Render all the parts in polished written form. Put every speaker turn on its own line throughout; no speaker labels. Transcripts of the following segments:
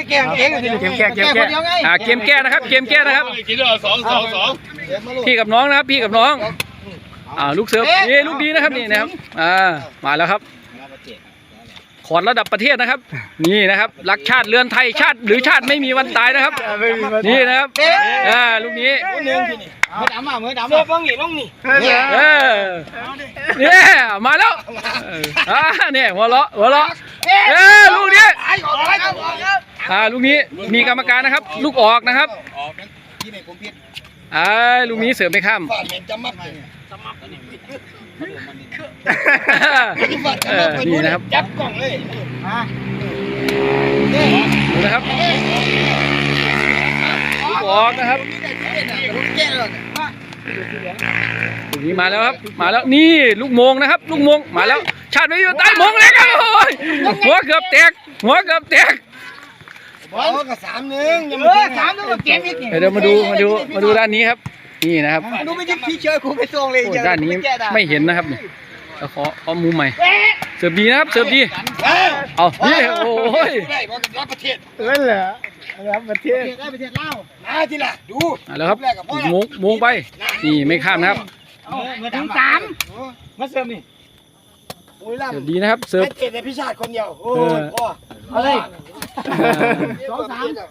แก้เองเกมแก้เกมแก้เกมแก้นะครับเกมแก้นะครับพี่กับน้องนะครับพี่กับน้องลูกเสิร์ฟนี่ลูกดีนะครับนี่นะครับมาแล้วครับขอดระดับประเทศนะครับนี่นะครับรักชาติเรือนไทยชาติหรือชาติไม่มีวันตายนะครับนี่นะครับลูกนี้
มือดำมือดำเสื้อป้องหนีต้องหนี
เนี่ยมาแล้วเนี่ยหัวเราะลูกนี้ลูกนี้มีกรรมการนะครับลูกออกนะครับลูกนี้เสือไม่ข้ามนี่นะครับ
จับกล่องเลย
ดูนะครับลูกออกนะครับลูกนี้มาแล้วครับมาแล้วนี่ลูกโมงนะครับลูกโมงมาแล้วชาติไม่อยู่ใต้โมงเลยครับหัวเกือบแตกบอล
ก็3-1ยัง3-1ก็เกมอีก
เดี๋ยวมาดูด้านนี้ครับนี่นะครับ
ดูไม่ใช่พี่เชยกูไปส่งเลย
ด้านนี้ไม่เห็นนะครับนี่ขอมุมใหม่เสิร์ฟดีนะครับเสิร์ฟดีเอานี่โอ้ย
รับประเทศ
เหรอรับประเทศ
ได้ประเทศเล่าทีละดู
แล้วครับโมงไปนี่ไม่ข้ามนะครับ
ถึง3มาเสิร์ฟนี่
เสิร์ฟดีนะครับเสิร์ฟ
เทศในพิชาติคนเดียวโอ้ยพ่ออะไร2-3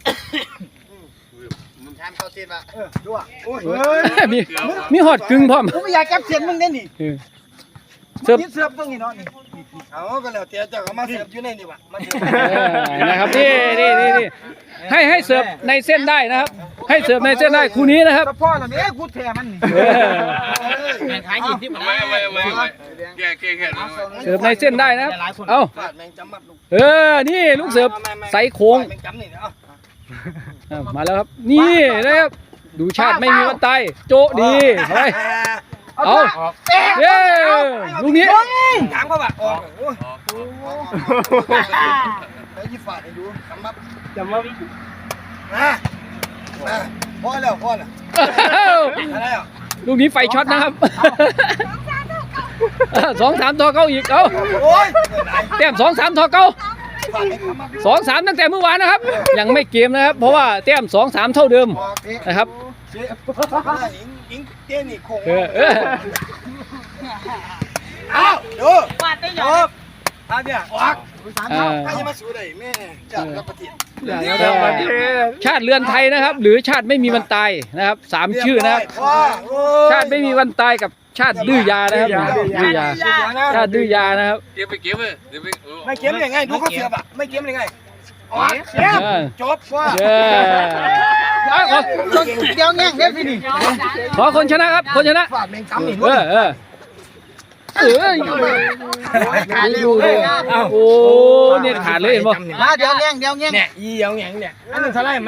มึงทำเข้าเส้นมาดูอ่ะ
มีหอดกึ่งพร้อม
กูไม่อยากจับเส้นมึงได้นี่
เสิร์ฟ
ตรงนี้เนาะนี่เอาก็แล้วเตี้ยเจ้าก็มาเสิร์ฟอยู่ในนี่วะ
นะครับนี่ให้เสิร์ฟในเส้นได้นะครับให้เสิร์ฟในเส้นได้คู่นี้นะครับ
พ่อเหล่านี้กูแถมันขายยินที่มัน
เสิร์ฟในเส้นได้นะครับเอานี่ลูกเสิร์ฟใส่โค้งมาแล้วครับนี่นะครับดูชาติไม่มีวันตายโจดีไปเอาเย้ลูกนี้
ถามเขาแบบออกแล้วยี่ฝาดให้ดูจำมาพ่อแล้ว
ลูกนี้ไฟช็อตนะครับ2-3ทอเก้าอีกเอาแต้ม2-3ทอเก้า2-3ตั้งแต่เมื่อวานนะครับยังไม่เกมนะครับเพราะว่าแต้ม2-3เท่าเดิมนะครับ
อิงเต้นนี่คงดูฟาดได้หยอบเนี่ยออกใครจะมาสู้ได้แม่จากรับประเทศ
ชาติเรือนไทยนะครับหรือชาติไม่มีวันตายนะครับ3ชื่อนะครับชาติไม่มีวันตายกับชาติดื้อยานะครับดื้อยาชาติดื้อยานะครับ
เก็บเลยไม่เก็บยังไงดูเขาเสียบอ่ะไม่เก็บยังไงจบว่าเดี๋ยวแง่งเดี๋ยวสิ
ขอคนชนะครับคนชนะ
ฝาดแมงจำนี่
ขาดเลยโอ้เนี่ยขาดเลยเห็นป่ะ
เดี๋ยวแง่งเนี่ยอีเดี๋ยวแง่งเนี่ยอันนึงเท่าไร